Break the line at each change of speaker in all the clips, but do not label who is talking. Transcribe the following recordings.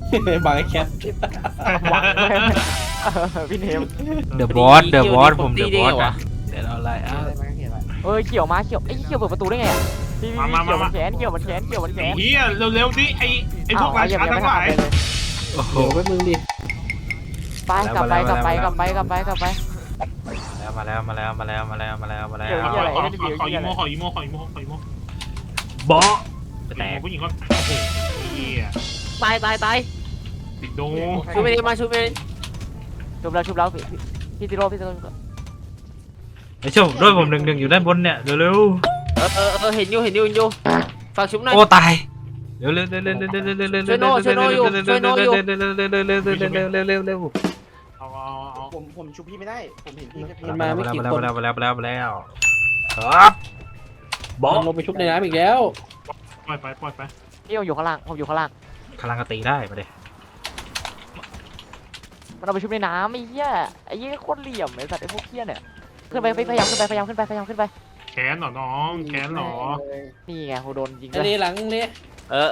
บางไอ้แคท
หวังเลยพี่เนม
เดอะบอสผมเดอะบอสนะเดี๋ยวเราไล่
เขียวมาเขียวไอ้เขียวเปิดประตูได้ไงอ่ะพี่เขียวมันแขนเขียวมันแขนเขียวมันแขน
เฮียเร็วๆดิไอ้พวกราชาทั้งหลาย
โอ้โห
เดี๋ยวไปมึงดิ
ไปกลับไปแล้วมาแล้ว
มาแล้วขออีโม
บอส
แตกผู้หญิงก็โอ้โหเฮีย
ตาย
ติดโด
ช่วยไม่ได้มาช่วยไม่ได้
ชุบแล้วพี่ซิโร่
ไอ้โชคด้วยผมหนึ่งอยู่ด้านบนเนี่ยเร็ว
เห็นอยู่ฝากชุบหน่อย
โอ้ตายเร็ว
เอา
ผมชุบพี่ไม่ได้ผมเห็นพี่
มา
ไม่กี่คน
แล้วครับบอส
มันลงไปชุบในน้ำอีกแล้ว
ปล่อยไป
พี่อยู่ข้างล่างผมอยู่ข้างล่าง
พลังกตีได้มาเลย
มันเอาไปชุบในน้ำไอ้เหี้ยโคตรเหลี่ยมไอ้สัตว์ไอ้พวกเหี้ยเนี่ยขึ้นไปพยายามขึ้นไป
แขนเหรอน้องแขนเหรอ
นี่ไงโหโดนยิง
ไอ้นี่หลังนี่
เออ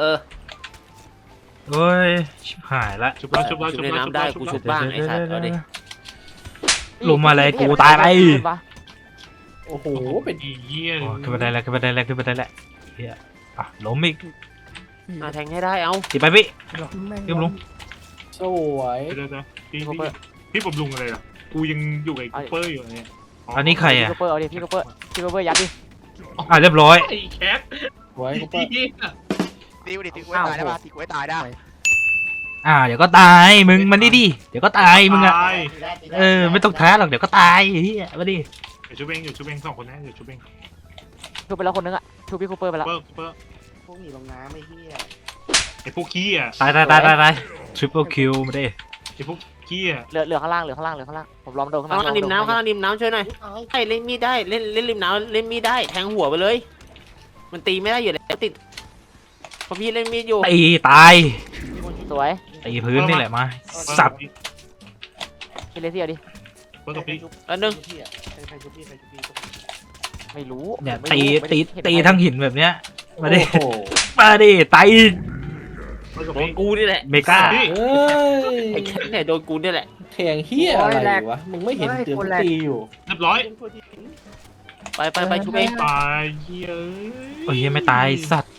เฮ้ยชิบหายละ
ชุบแล้ว
ชุบในน้ำได้กูชุบบ้างไอ้สัตว์เอาดิ
ลงมาเลยกูตายไป
โอ้โหเป็น
อีเหี้ย
ขึ้นมาได้แล้วเฮียอ่ะล้มอีก
แทงให้ได้เอา
ตีไปพี่ขึ้นลง
สวย
เดี๋ยวพี่ผมลุงอะไรล่ะกูยังอยู่ไอ้คูเปอร์อยู่เนี่ย
อันนี้ใครอ่ะ
พี่โคเปอร์เอาดิพี่โคเปอร์ยัดดิ
เรียบร้อย
ไอ้แคท
สวยกู
เหี้ย
ตีกูตายได้ป่ะตีกูตายได้
เดี๋ยวก็ตายมึงมันดิเดี๋ยวก็ตายมึงอ่ะ
ตาย
ไม่ต้องท้าหรอกเดี๋ยวก็ตายเฮียมาดิ
เดี๋ยวชุบเองสองคนนะเดี๋ยวชุบเอง
ชุบไปแล้วคนนึงอ่ะชุบพี่โคเปอร์ไปแล้ว
เปอร์
พวกหนีลงน้ำไอ้เหี้ย
ไอ้พวกขี้อ่ะ
ตายทริปเปิลคิวมาดิ
ไอ้พวกขี้อ่ะ
เหลือข้างล่างผมลองโดนข้าง
ข้าง
ล่าง
ล่างริมน้ำช่วยหน่อยให้เล่นมีดได้เล่นริมน้ำเล่นมีดได้แทงหัวไปเลย มันตีไม่ได้อยู่แล้วติดพอพี่เล่นมีดอยู่
ตีตาย
สวย
ตีพื้นนี่แหละมาสับ
พี่เลซี่เอาดิ
เปอร์กับพี่
อันนึง
ใครชุบพี่
ไม่รู้
เนี่ยตีทั้งหินแบบเนี้ยมาดิ
โอ้โห
มาดิตาย
เปอร์กับ
โดน
พี่
กูนี่แหละ
เมกา
เอ้ย
ไอ้แค่เนี่ยโดนกูนี่แหละ
แข่งเหี้ยอะไรวะมึงไม่เห็นเตือนตีอยู่
เรียบร้อย
ไปชุบเอง
ตายเหี้ย
โอ้ยไม่ตายสัตว์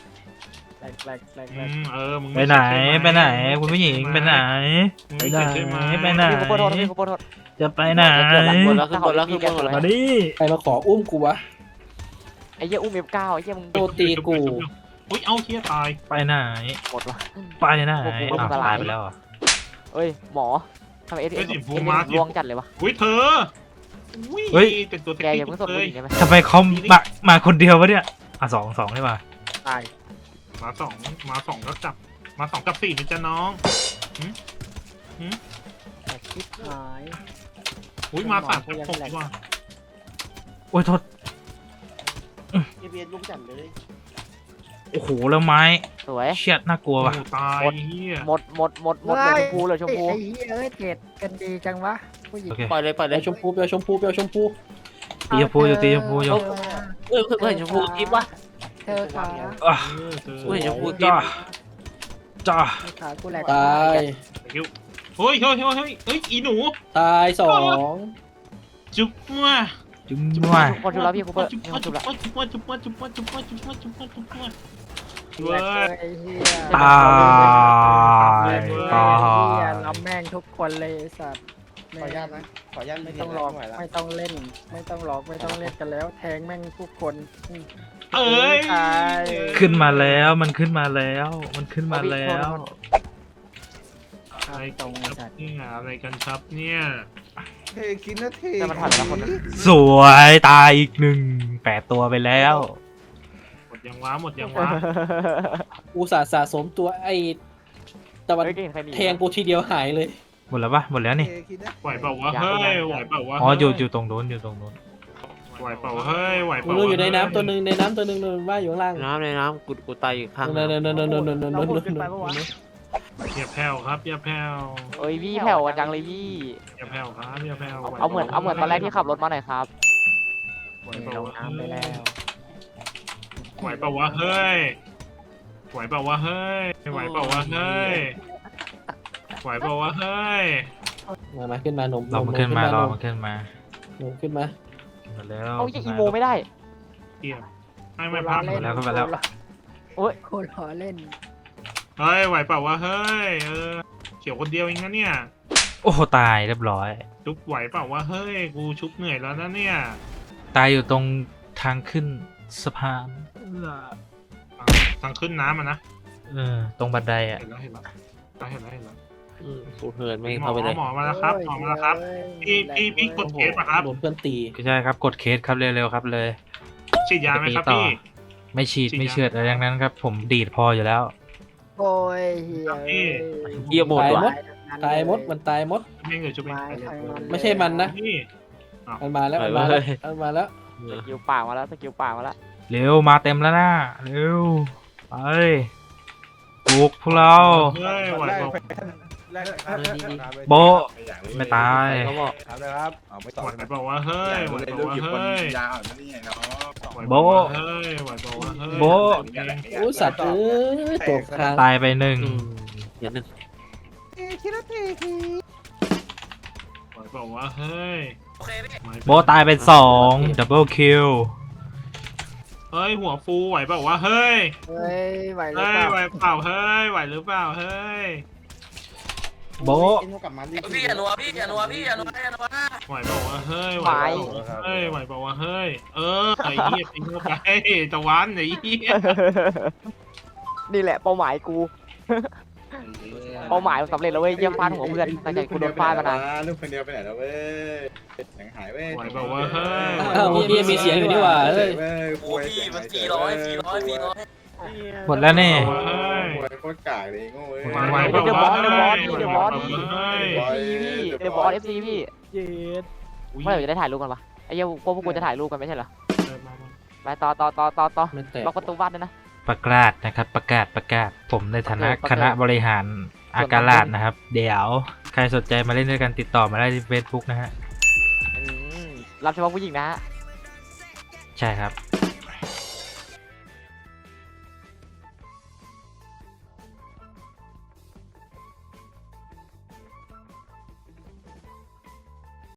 มึง
ไปไหนคุณผู้หญิงไปไหน
ไม่เสร็จใช่ไหม
ไปไหน
พี่โคเปอร์โทษพี่โคเปอร์โทษ
จะไปไหน
ขึ้นบนแล้ว
มาดิ
ใครมาขออุ้มกูวะ
ไอ้เหี้ยอุ้มF9ไอ้เหี้ยมึง
โดนตีกู
อุ้ยเอาเหี้ยตาย
ไปไหน
หมดวะ
ไปไหนตายไปแล้ว
เอ้ยหมอทำไมเอสลวงจัดเลยวะ
อุ้ยเธอแต่ตัว
แกอย่าเพิ่งส่ง
เล
ผู้
ย
หญิงได้ไหม
ทำไมเขามาคนเดียววะเนี่ยสองได้ป่ะ
มาสองก็จับมา2 กับ 4นี่จ้ะน้อง
คิดหาย
อุ้ยมา3 กับ 6ว่ะ
โอ้ยโทษ
เบียนลุกจัดเลย
โอ้โหแล้วไม้
สวย
เชียดน่ากลัวว่ะ
ตายเหี้ย
หมดเลยชมพูเลยชมพู
ไอ้เหี้ยเอ้ยเจ็ดกันดีจังวะผู้หญิง
โอเค
ปล่อยเลย
เปียวชมพูเปียวชมพู
ตีชมพูอยู่
เพื่อนชมพูทิปวะ
เธอขา
เพื่อนชมพูทิป
จ้า
ขากูแหลก
ตาย
เฮ้ยอีหนู
ตายสอง
จุ๊บมา
จุ้มว่า
คนชุบแล้วพี่โคเปอร์
จุ๊บ
มีคนชุบแล้ว
เว้ย
ไอ้เหี้ย
ตาย
ไอ้
ตา
เหี้ย
ย
เราแม่งทุกคนเลยไอ้สัตว์
ขออนุญาตนะขออนุญาต
ไม่ต้องหลอกไม่ต้องเล่น ไม่ต้องหลอกไม่ต้องเล่นกันแล้ว แทงแม่งทุกคน
เอ้ย
ตาย
ขึ้นมาแล้วมันขึ้นมาแล้ว
อะไรตรงนี่อะไรกันครับเนี่ย
เทคินนะเท
แต่มันผ่านไปแล้วคนนึง
สวยตายอีก8 ตัวไปแล้ว
หมดยังวะ
กูสะสมตัวไอ้ตะวัน
เฮ้ยเก่งใครหนี
แทงกูทีเดียวหายเลย
หมดแล้วปะหมดแล้วนี่
เทคินนะ
ไหวเปล่าวะเฮ้ยไหวเปล่าวะ
อ๋ออยู่ตรงโน้น
ไหวเปล่าเฮ้ยไหวเป
มึ
ล่าง
อยู่ในน้ำตัวหนึ่งว่าอยู่ข้างล่าง
ในน้ำกูตายอยู่ข้าง
นั่น
เราพูดขึ้นไปเมื่อวาน
อย่าแผ่วครับอย่าแผ่ว
เอ้ยพี่แผ่วจังเลยพี่
อย่าแผ่วครับอย่าแผ่ว
เอาเหมือนตอนแรกที่ขับรถมาหน่อยครับ
ไหวเปล่า
ลง
วะ
น้ำไปแล้ว
ไหวเปล่าวะเฮ้ยไหวเปล่าวะเฮ้ยไหวเปล่าวะเฮ้ยไหวเปล่าวะเฮ้ย
มาขึ้นมาหนุ่ม
รอมันขึ้นมารอมันขึ้นมา
หนุ่มขึ้นมา
มาแล้ว
เอาไอ้อีโมไม่ได้
เกียไม่พัก
เล่น
แล้วก็มาแล้ว
โอ้ย
โคตรล้อเล่น
เฮ้ยไหวเปล่าวะเฮ้ยเขียวคนเดียวเองนะเนี่ย
โอ้โหตายเรียบร้อย
ชุบไหวเปล่าวะเฮ้ยกูชุบเหนื่อยแล้วนะเนี่ย
ตายอยู่ตรงทางขึ้นสะพาน
ทางขึ้นน้ำอะนะ
ตรงบันไดอ่ะ
เห็นแล้วเห็นแล้วเห็นแล้วเห็นแล้ว
กูเหินไม่
หมอ
เข้าไปเลย
หมอมาแล้วครับหมอมาแล้วครับ พี่กดเคสป่ะครับ
โดนเพื่อนตี
ก็ใช่ครับกดเคสครับเร็วๆครับเลย
ฉีดยาไหมครับ
จะตีต่อ
พี่
ไม่ฉีด
ฉีด
ไม่เชือดอะไรทั้งนั้นครับ ผมดีดพออยู่แล้ว
โอ้ยเฮีย
เยี่ยมหมดว่ะ
ตายมดมันตายมด
ชุบเองเลยชุบเอง
ไม้ทางนั้น
ไม่ใช่มันนะ
นี่
มันมาแล้วมันมาแล้วมันมาแล้ว
สกิลป่ามาแล้วสกิลป่ามาแล้ว
เร็วมาเต็มแล้วนะเร็วไปบุกพวกเรา
เฮ้ยไหวเปล่า
โบะไม่ตาย
เขาบอก
ครับนะครับเอาไม่ต่อ
ไหวเปล่าวะเฮ้ยไหวเปล่าวะเฮ้ย
ยาวนั่นนี่ไงเนาะ
ไหวเปล่าวะเฮ้ยไหวเปล่าวะเฮ้ย
โบะ
โอ้สัตว์เอ้ยตกทาง
ตายไปหนึ่ง
เดี๋ยวหนึ่ง
ไหวเปล่าวะเฮ้ย
โบะตายไปสองดับเบิลคิว
เฮ้ยหัวฟูไหวเปล่าวะเฮ้ย
เฮ้ยไหวหรือ
เฮ้ย
เปล่า
ไหวเปล่าเฮ้ยไหวหรือเปล่าเฮ้ย
โบะ
พี่อย่านัวพี่อย่านัวพี่อย่านัว
ไหวเปล่าวะเฮ้ยไหวเปล่าวะเฮ้ยไหวเปล่าวะเฮ้ยไอ้เหี้ยทิ้งเข้าไปตะวันไอ้เหี้ย
นี่แหละเป้าหมายกู เป้าหมายสำเร็จแล้วเว้ยเยี่ยมฟาดหัวเพื่อนตั้งใจกูโดนฟาดมานาน
ลูกคนเดียวไปไหนแล้วเว้ยหนังหายเว้ย
ไหวเปล่าวะเฮ้ย
อ้าวเฮียมีเสียงอยู่นี่หว่าเฮ้ย
พี่มัน400
หมดแล้วนี่
เฮ้ย
โคตรกากเลยโง่เว้ย
ไหวเปล่าวะเฮ้ย
เดบอสเอฟซีพี่เมื่อไหร่จะได้ถ่ายรูปกันปะไอ้เหี้ยพวกกูจะถ่ายรูปกันไม่ใช่เหรอไปต่อ
ไม่แตก
ล็อกประตูบ้านด้วยนะ
ประกาศนะครับประกาศผมในฐานะ
ประกาศ
คณะบริหารอากาลาดนะครับ เดี๋ยวใครสนใจมาเล่นด้วยกันติดต่อมาได้ที่ Facebook นะฮะ
รับเฉพาะผู้หญิงนะฮะ
ใช่ครับ